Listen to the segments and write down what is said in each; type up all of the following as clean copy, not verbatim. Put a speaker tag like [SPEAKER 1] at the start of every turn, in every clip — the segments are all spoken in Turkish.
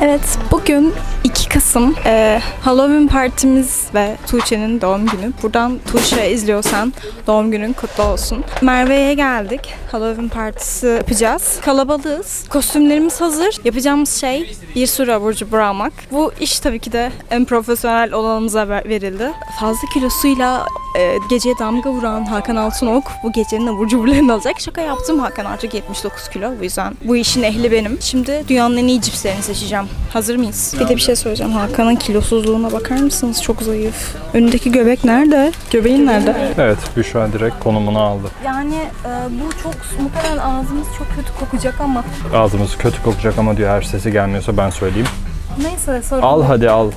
[SPEAKER 1] Evet, bugün 2 Kasım Halloween partimiz ve Tuğçe'nin doğum günü. Buradan Tuğçe izliyorsan doğum günün kutlu olsun. Merve'ye geldik. Halloween partisi yapacağız. Kalabalığız. Kostümlerimiz hazır. Yapacağımız şey bir sürü abur cubur almak. Bu iş tabii ki de en profesyonel olanımıza verildi. Fazla kilosuyla geceye damga vuran Hakan Altınok bu gecenin abur cuburlarını alacak. Şaka yaptım. Hakan artık 79 kilo. Bu yüzden bu işin ehli benim. Şimdi dünyanın en iyi cipslerini seçeceğim. Hazır mıyız? Bir de bir şey söyleyeceğim. Hakan'ın kilosuzluğuna bakar mısınız? Çok zayıf. Önündeki göbek nerede? Göbeğin nerede?
[SPEAKER 2] Evet, Büşra direkt konumunu aldı.
[SPEAKER 1] Yani bu çok muhtemelen ağzımız çok kötü kokacak ama.
[SPEAKER 2] Ağzımız kötü kokacak ama diyor, eğer sesi gelmiyorsa ben söyleyeyim.
[SPEAKER 1] Neyse sorun.
[SPEAKER 2] Al hadi al.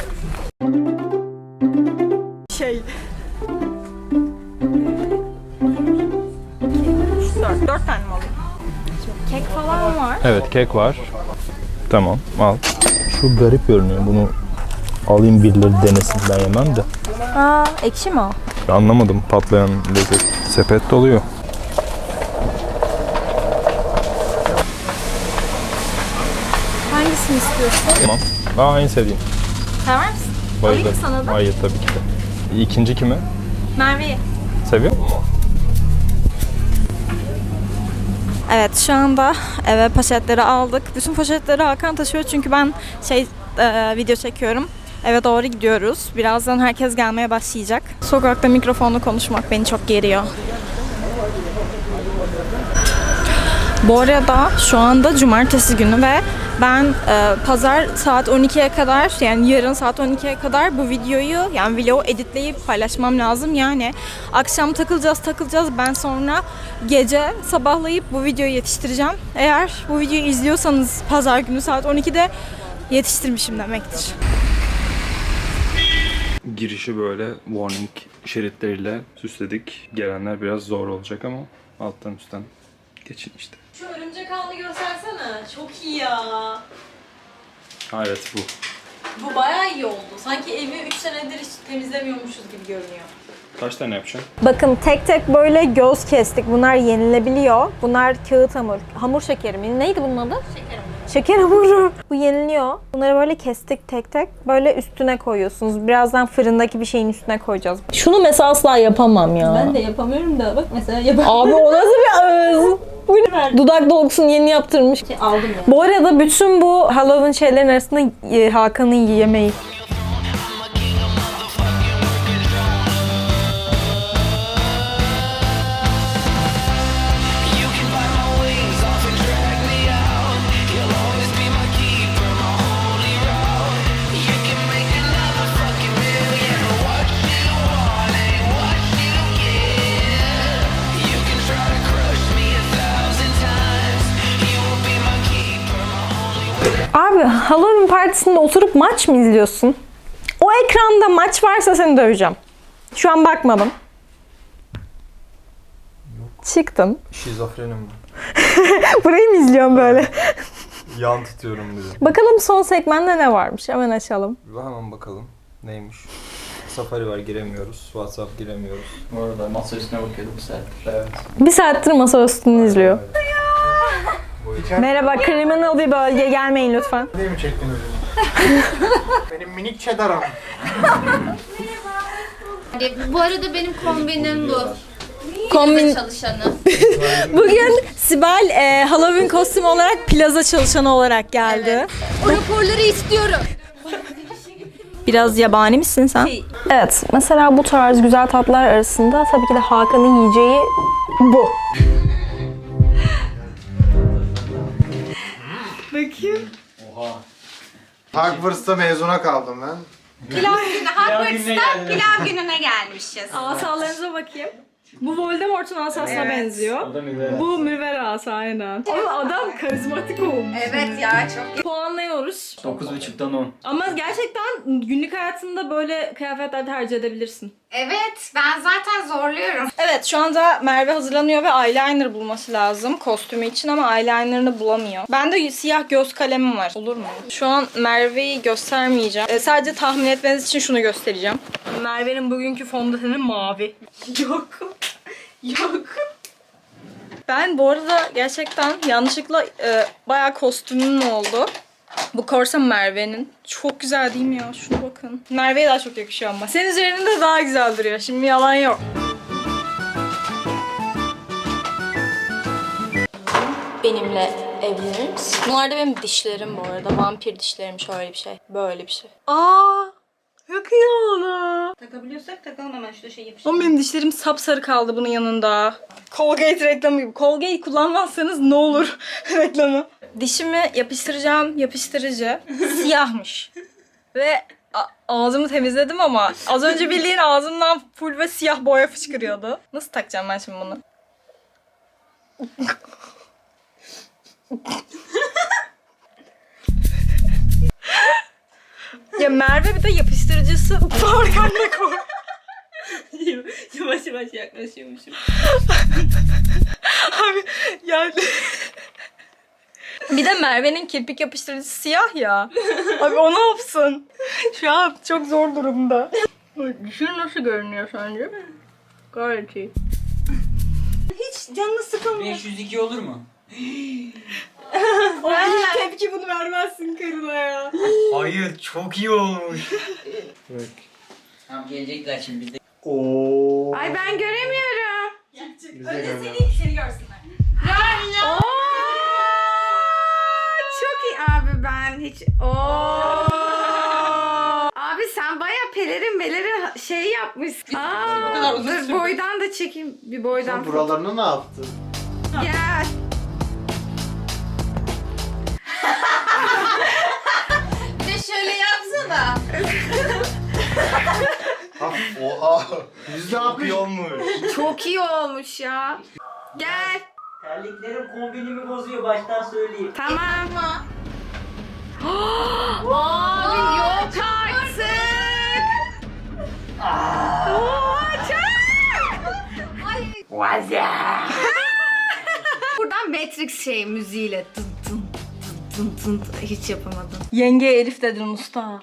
[SPEAKER 1] Dört tane mi alayım? Kek falan var.
[SPEAKER 2] Evet, kek var. Tamam, al. Şu garip görünüyor, bunu alayım birileri denesin, ben yemem de.
[SPEAKER 1] Aa, ekşi mi o?
[SPEAKER 2] Ben anlamadım, patlayan lezzet. Sepet doluyor.
[SPEAKER 1] Hangisini istiyorsun?
[SPEAKER 2] Tamam. En sevdiğim.
[SPEAKER 1] Sever misin?
[SPEAKER 2] Bayılırım.
[SPEAKER 1] Alayım sana da.
[SPEAKER 2] Hayır, tabii ki de. İkinci kimi?
[SPEAKER 1] Merve'yi.
[SPEAKER 2] Seviyor musun?
[SPEAKER 1] Evet, şu anda eve poşetleri aldık. Bütün poşetleri Hakan taşıyor çünkü ben video çekiyorum. Eve doğru gidiyoruz. Birazdan herkes gelmeye başlayacak. Sokakta mikrofonla konuşmak beni çok geriyor. Bu arada şu anda cumartesi günü ve ben pazar saat 12'ye kadar, yani yarın saat 12'ye kadar bu videoyu, yani vlogu editleyip paylaşmam lazım. Yani akşam takılacağız. Ben sonra gece sabahlayıp bu videoyu yetiştireceğim. Eğer bu videoyu izliyorsanız pazar günü saat 12'de yetiştirmişim demektir.
[SPEAKER 2] Girişi böyle warning şeritleriyle süsledik. Gelenler biraz zor olacak ama alttan üstten geçin işte.
[SPEAKER 3] Şu örümcek ağını göstersene. Çok iyi ya.
[SPEAKER 2] Ha, evet bu.
[SPEAKER 3] Bu bayağı iyi oldu. Sanki evi 3 senedir hiç temizlemiyormuşuz gibi görünüyor.
[SPEAKER 2] Kaç tane yapacaksın?
[SPEAKER 1] Bakın tek tek böyle göz kestik. Bunlar yenilebiliyor. Bunlar kağıt hamur. Hamur şekeri mi? Neydi bunun adı?
[SPEAKER 3] Şeker hamuru.
[SPEAKER 1] Şeker hamuru. Bu yeniliyor. Bunları böyle kestik tek tek. Böyle üstüne koyuyorsunuz. Birazdan fırındaki bir şeyin üstüne koyacağız. Şunu mesela asla yapamam ya.
[SPEAKER 3] Ben de yapamıyorum da bak mesela yapamıyorum.
[SPEAKER 1] Abi o nasıl bir ağız? Bu ne? Dudak dolgusunu yeni yaptırmış.
[SPEAKER 3] Aldım ya.
[SPEAKER 1] Bu arada bütün bu Halloween şeylerin arasında Hakan'ın yemeği. Abi Halloween partisinde oturup maç mı izliyorsun? O ekranda maç varsa seni döveceğim. Şu an bakmadım. Çıktın.
[SPEAKER 2] Şizofrenim.
[SPEAKER 1] Burayı mı izliyorum böyle?
[SPEAKER 2] Yan tutuyorum dedi.
[SPEAKER 1] Bakalım son segmentte ne varmış? Hemen açalım.
[SPEAKER 2] Hemen bakalım. Neymiş? Safari var, giremiyoruz. WhatsApp giremiyoruz.
[SPEAKER 4] Bu arada masa üstüne bakıyordum bu saattir.
[SPEAKER 2] Evet.
[SPEAKER 1] Bir saattir masa üstünü izliyor. Merhaba, kriminal bir bölge, gelmeyin lütfen.
[SPEAKER 5] Ne mi çektiniz? Benim minik cheddar'ım.
[SPEAKER 6] Bu arada benim kombinim bu.
[SPEAKER 1] Kombin.
[SPEAKER 6] Çalışanı.
[SPEAKER 1] Bugün Sibel Halloween kostümü olarak plaza çalışanı olarak geldi.
[SPEAKER 6] O raporları istiyorum.
[SPEAKER 1] Biraz yabani misin sen? Evet, mesela bu tarz güzel tatlar arasında tabii ki de Hakan'ın yiyeceği bu.
[SPEAKER 5] Hogwarts'ta mezuna kaldım ben.
[SPEAKER 6] Hogwarts'ta pilav gününe gelmişiz.
[SPEAKER 1] Asalarınıza bakayım. Bu Voldemort'un asasına benziyor. Bu Mürver asa aynen. Ama adam karizmatik olmuş.
[SPEAKER 6] Evet ya çok.
[SPEAKER 1] Puanlıyoruz.
[SPEAKER 4] 9.5'dan 10.
[SPEAKER 1] Ama gerçekten günlük hayatında böyle kıyafetler tercih edebilirsin.
[SPEAKER 6] Evet ben zaten zorluyorum.
[SPEAKER 1] Evet, şu anda Merve hazırlanıyor ve eyeliner bulması lazım kostümü için ama eyelinerını bulamıyor. Bende siyah göz kalemim var. Olur mu? Şu an Merve'yi göstermeyeceğim. Sadece tahmin etmeniz için şunu göstereceğim. Merve'nin bugünkü fondöteni mavi. Yok. Yok. Ben bu arada gerçekten yanlışlıkla bayağı kostümüm oldu. Bu korsa Merve'nin. Çok güzel değil mi ya? Şuna bakın. Merve'ye daha çok yakışıyor ama. Senin üzerinde daha güzel duruyor. Şimdi yalan yok. Benimle evlenir misin? Bunlar da benim dişlerim bu arada. Vampir dişlerim, şöyle bir şey. Böyle bir şey. Aa! Çok iyi oldu.
[SPEAKER 3] Takabiliyorsak takalım hemen şurada şey yapıştır.
[SPEAKER 1] Ama benim dişlerim sapsarı kaldı bunun yanında. Colgate reklamı gibi. Colgate kullanmazsanız ne olur reklamı. Dişimi yapıştıracağım yapıştırıcı. Siyahmış. Ve ağzımı temizledim ama az önce bildiğin ağzımdan full ve siyah boya fışkırıyordu. Nasıl takacağım ben şimdi bunu? Ya Merve bir de yapıştırıcısı arkanda koy.
[SPEAKER 3] Yavaş yavaş yaklaşıyormuşum.
[SPEAKER 1] Abi yani... Bir de Merve'nin kirpik yapıştırıcısı siyah ya. Abi o ne yapsın? Şu an çok zor durumda. Düşün nasıl görünüyor sence? Gayet iyi.
[SPEAKER 3] Hiç canını sıkılmıyor.
[SPEAKER 4] 502 olur mu?
[SPEAKER 1] O ilk tepki bunu vermezsin karına ya.
[SPEAKER 4] Hayır, çok iyi olmuş. Tamam, gelecekler şimdi biz de.
[SPEAKER 5] Oo.
[SPEAKER 6] Ay ben göremiyorum.
[SPEAKER 3] Önce seni görsünler.
[SPEAKER 6] Oo! Çok iyi abi ben hiç. Oo! Abi sen baya pelerin şey yapmışsın.
[SPEAKER 3] bu kadar uzun
[SPEAKER 6] Dur
[SPEAKER 3] sürdü.
[SPEAKER 6] boydan da çekeyim bir boydan.
[SPEAKER 5] Sen buralarını ne yaptın?
[SPEAKER 6] Gel. Bir de şöyle yapsana.
[SPEAKER 5] Oha. Yüzde yapmış.
[SPEAKER 4] olmuş.
[SPEAKER 6] Çok iyi olmuş ya. Gel.
[SPEAKER 7] Terliklerim kombinimi bozuyor baştan söyleyeyim.
[SPEAKER 6] Tamam. Abi yok artık. Buradan Matrix müziğiyle tın tın tın tın tın hiç yapamadım.
[SPEAKER 1] Yenge Elif dedin usta.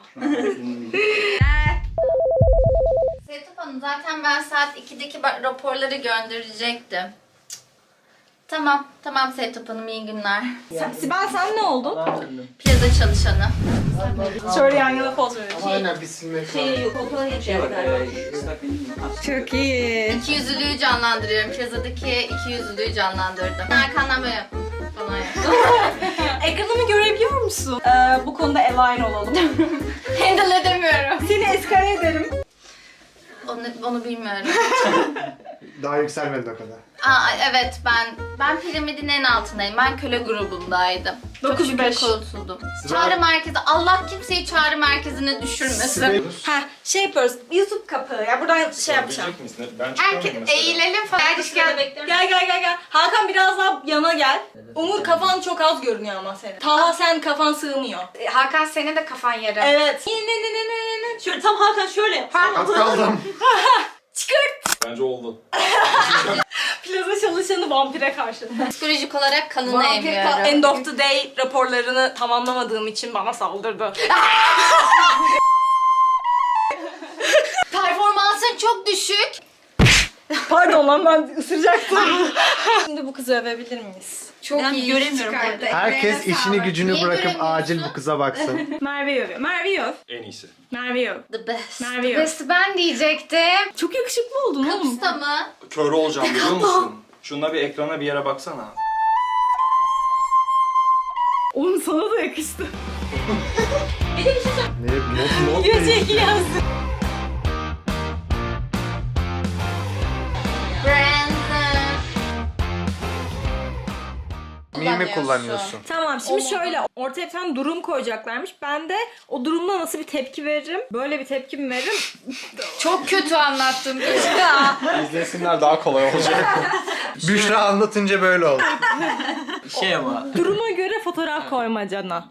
[SPEAKER 8] Setap Hanım zaten ben saat 2'deki raporları gönderecektim. Tamam Setap Hanım iyi günler.
[SPEAKER 1] Sibel sen ne oldun?
[SPEAKER 8] Plaza çalışanı.
[SPEAKER 1] Şöyle yan yana poz verin.
[SPEAKER 5] Aynen bir silmek
[SPEAKER 3] Şey
[SPEAKER 5] lazım.
[SPEAKER 3] yok, okula
[SPEAKER 4] Şey bak,
[SPEAKER 3] geçecekler.
[SPEAKER 6] Çok iyi.
[SPEAKER 8] İkiyüzlülüğü canlandırıyorum. Plazadaki ikiyüzlülüğü canlandırdım. Arkandan böyle yap. Falan yap.
[SPEAKER 1] Ekranımı görebiliyor musun? Bu konuda align olalım.
[SPEAKER 8] Handle edemiyorum.
[SPEAKER 1] Seni eskale ederim.
[SPEAKER 8] Onu bilmiyorum.
[SPEAKER 5] Daha yükselmedi o kadar.
[SPEAKER 8] Aa, evet ben piramidin en altındayım. Ben köle grubundaydım. Çok
[SPEAKER 1] 9-5.
[SPEAKER 8] şükür kurtuldum. Çağrı merkezi. Allah kimseyi çağrı merkezine düşürmesin.
[SPEAKER 1] Ha şey yapıyoruz. YouTube kapağı ya buradan şey yapacağım.
[SPEAKER 2] Ben
[SPEAKER 6] Herkes eğilelim falan.
[SPEAKER 1] Gel. Hakan biraz daha yana gel. Umur kafan çok az görünüyor ama senin. Taha sen kafan sığmıyor.
[SPEAKER 6] Hakan senin de kafan yarı.
[SPEAKER 1] Evet.
[SPEAKER 3] Şöyle tam Hakan şöyle yap.
[SPEAKER 5] Az kaldım.
[SPEAKER 1] Çıkart.
[SPEAKER 2] Bence oldu.
[SPEAKER 1] Plaza çalışanı vampire karşı.
[SPEAKER 8] Psikolojik olarak kanını
[SPEAKER 1] Vampir
[SPEAKER 8] emiyorum.
[SPEAKER 1] end of the day raporlarını tamamlamadığım için bana saldırdı.
[SPEAKER 8] Performansın çok düşük.
[SPEAKER 1] Pardon lan ben ısıracaktım. Şimdi bu kızı övebilir miyiz?
[SPEAKER 6] Çok
[SPEAKER 3] Ben
[SPEAKER 6] iyi
[SPEAKER 3] göremiyorum
[SPEAKER 6] çıkardı.
[SPEAKER 5] Herkes
[SPEAKER 6] Emeğine
[SPEAKER 5] işini
[SPEAKER 6] sağlık.
[SPEAKER 5] gücünü
[SPEAKER 8] Niye
[SPEAKER 5] bırakıp
[SPEAKER 8] göremiyorsun?
[SPEAKER 5] acil bu kıza baksın.
[SPEAKER 1] Merve'yi övüyor. Merve'yi öv.
[SPEAKER 2] En iyisi.
[SPEAKER 1] Merve'yi öv.
[SPEAKER 8] The best.
[SPEAKER 1] Merve'yi öv.
[SPEAKER 6] Best ben diyecektim.
[SPEAKER 1] Çok yakışıklı oldun oğlum.
[SPEAKER 8] Kapısta mı?
[SPEAKER 2] Kör olacağım biliyor musun? Şuna bir ekrana bir yere baksana.
[SPEAKER 1] Oğlum sana da yakıştı.
[SPEAKER 5] Ne? Not
[SPEAKER 1] Yüzeki yazdı.
[SPEAKER 8] Brandon.
[SPEAKER 5] Mimi kullanıyorsun.
[SPEAKER 1] Tamam şimdi şöyle ortaya bir tane durum koyacaklarmış. Ben de o durumda nasıl bir tepki veririm? Böyle bir tepki mi veririm?
[SPEAKER 6] Çok kötü anlattın.
[SPEAKER 2] İzlesinler daha kolay olacak.
[SPEAKER 5] Büşra anlatınca böyle oldu.
[SPEAKER 4] Şey ama.
[SPEAKER 1] Duruma göre fotoğraf koymacana.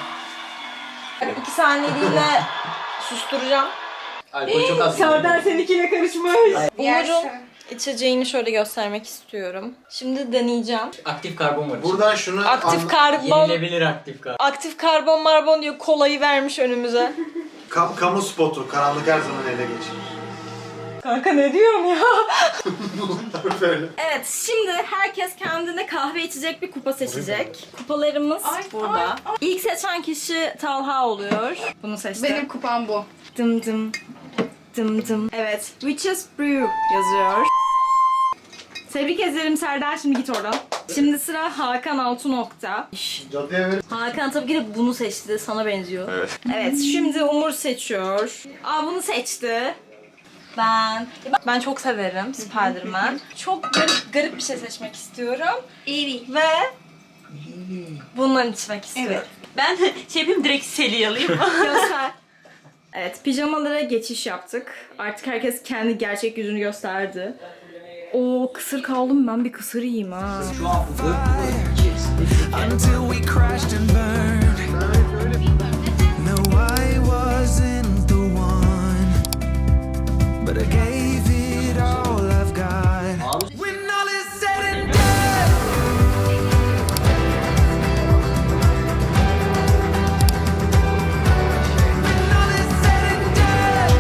[SPEAKER 1] 2 saniyeliğine susturacağım.
[SPEAKER 4] Alkol çok az.
[SPEAKER 1] Serdar seninkiyle karışmış.
[SPEAKER 6] Yersin.
[SPEAKER 1] Umur'un içeceğini şöyle göstermek istiyorum. Şimdi deneyeceğim.
[SPEAKER 4] Aktif karbon var.
[SPEAKER 5] Buradan şunu
[SPEAKER 1] Aktif karbon,
[SPEAKER 4] Yenilebilir aktif karbon.
[SPEAKER 1] aktif karbon marbon diyor, kolayı vermiş önümüze.
[SPEAKER 5] kamu spotu. Karanlık her zaman ele geçirir.
[SPEAKER 1] Kanka ne diyorum ya?
[SPEAKER 4] Böyle.
[SPEAKER 1] Evet, şimdi herkes kendine kahve içecek bir kupa seçecek. Kupalarımız burada. İlk seçen kişi Talha oluyor. Bunu seçti.
[SPEAKER 6] Benim kupam bu.
[SPEAKER 1] Dım dım. Dım dım. Evet, Witch's Brew yazıyor. Tebrik ederim Serdar, şimdi git oradan. Şimdi sıra Hakan Altınok'ta.
[SPEAKER 4] Cadıya ver.
[SPEAKER 1] Hakan tabii ki de bunu seçti, sana benziyor. Evet, şimdi Umur seçiyor. Bunu seçti. Ben çok severim Spider-Man. Çok garip bir şey seçmek istiyorum. Ve bundan içmek istiyorum.
[SPEAKER 3] Ben şey yapayım, direkt seli alayım.
[SPEAKER 1] Göster. Evet, pijamalara geçiş yaptık. Artık herkes kendi gerçek yüzünü gösterdi. Oo, kısır kaldım, ben bir kısır yiyeyim ha.
[SPEAKER 7] Şu an bu içerisinde
[SPEAKER 9] Until we crashed and burned. No, I wasn't the one, but I gave it all I've got. When all is said and done, when all is said and done,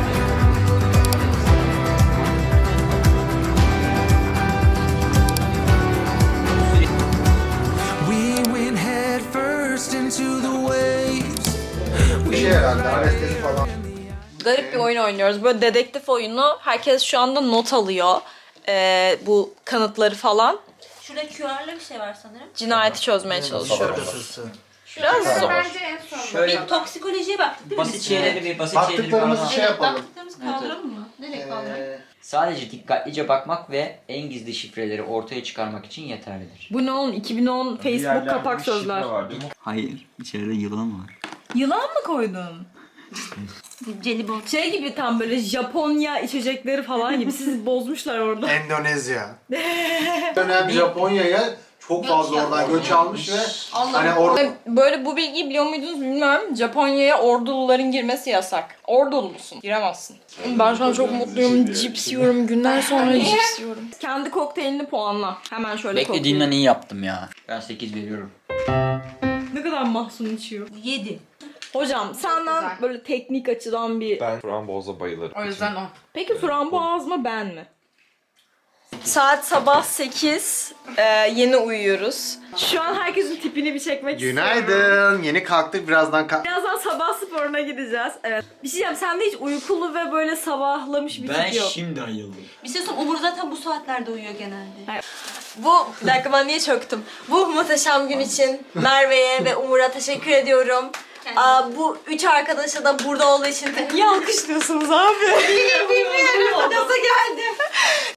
[SPEAKER 9] we went head first into the waves.
[SPEAKER 4] Bir şey herhalde. Anestezi falan.
[SPEAKER 1] Garip bir oyun oynuyoruz. Böyle dedektif oyunu. Herkes şu anda not alıyor. Bu kanıtları falan.
[SPEAKER 3] Şurada QR'lı bir şey var sanırım.
[SPEAKER 1] Cinayeti çözmeye çalışıyoruz.
[SPEAKER 4] Şakasızsın.
[SPEAKER 1] Biraz zor.
[SPEAKER 6] Bence en son.
[SPEAKER 7] şöyle
[SPEAKER 3] Bir toksikolojiye baktık değil mi?
[SPEAKER 7] basit şeyleri bir basit şeyleri bir
[SPEAKER 4] Baktıklarımızı
[SPEAKER 7] anlat.
[SPEAKER 4] şey yapalım.
[SPEAKER 3] Baktıklarımızı kaldıralım mı? Nereye kaldıralım?
[SPEAKER 7] Sadece dikkatlice bakmak ve en gizli şifreleri ortaya çıkarmak için yeterlidir.
[SPEAKER 1] Bu ne oğlum? 2010 Facebook kapak sözler.
[SPEAKER 7] Hayır, içeride yılan var.
[SPEAKER 1] Yılan mı koydun?
[SPEAKER 3] Jelibon.
[SPEAKER 1] Şey gibi, tam böyle Japonya içecekleri falan gibi. Sizi bozmuşlar orada.
[SPEAKER 4] Endonezya. Dönem Japonya'ya çok fazla oradan göç almış ve hani orada
[SPEAKER 1] Böyle bu bilgiyi biliyor muydunuz bilmiyorum. Japonya'ya orduluların girmesi yasak. Ordulu musun? Giremezsin. Ben şu an çok mutluyum. Cips yiyorum. Günler sonra cips yiyorum. Kendi kokteylini puanla. Hemen şöyle
[SPEAKER 7] Beklediğimden iyi yaptım ya. Ben 8 veriyorum.
[SPEAKER 1] Ne kadar mahzun içiyor.
[SPEAKER 3] 7.
[SPEAKER 1] Hocam senden
[SPEAKER 6] güzel.
[SPEAKER 1] böyle teknik açıdan bir...
[SPEAKER 10] Ben frambuaza bayılırım.
[SPEAKER 6] O yüzden o.
[SPEAKER 1] Peki frambuaz mı, ben mi? Saat sabah 8. Yeni uyuyoruz. Şu an herkesin tipini bir çekmek istiyorum.
[SPEAKER 4] günaydın. Yeni kalktık birazdan
[SPEAKER 1] Birazdan sabah sporuna gideceğiz. Evet. Bir şey diyeceğim, sende hiç uykulu ve böyle sabahlamış bir
[SPEAKER 7] Ben
[SPEAKER 1] tip yok.
[SPEAKER 7] şimdi ayıldım.
[SPEAKER 3] Bir şey söyleyeyim, Umur zaten bu saatlerde uyuyor genelde.
[SPEAKER 1] Bir dakika, ben niye çöktüm? Bu muhteşem gün için Merve'ye ve Umur'a teşekkür ediyorum. Bu 3 arkadaşa da burada olduğu için niye alkışlıyorsunuz abi?
[SPEAKER 3] Bilmiyorum. Nasıl geldim?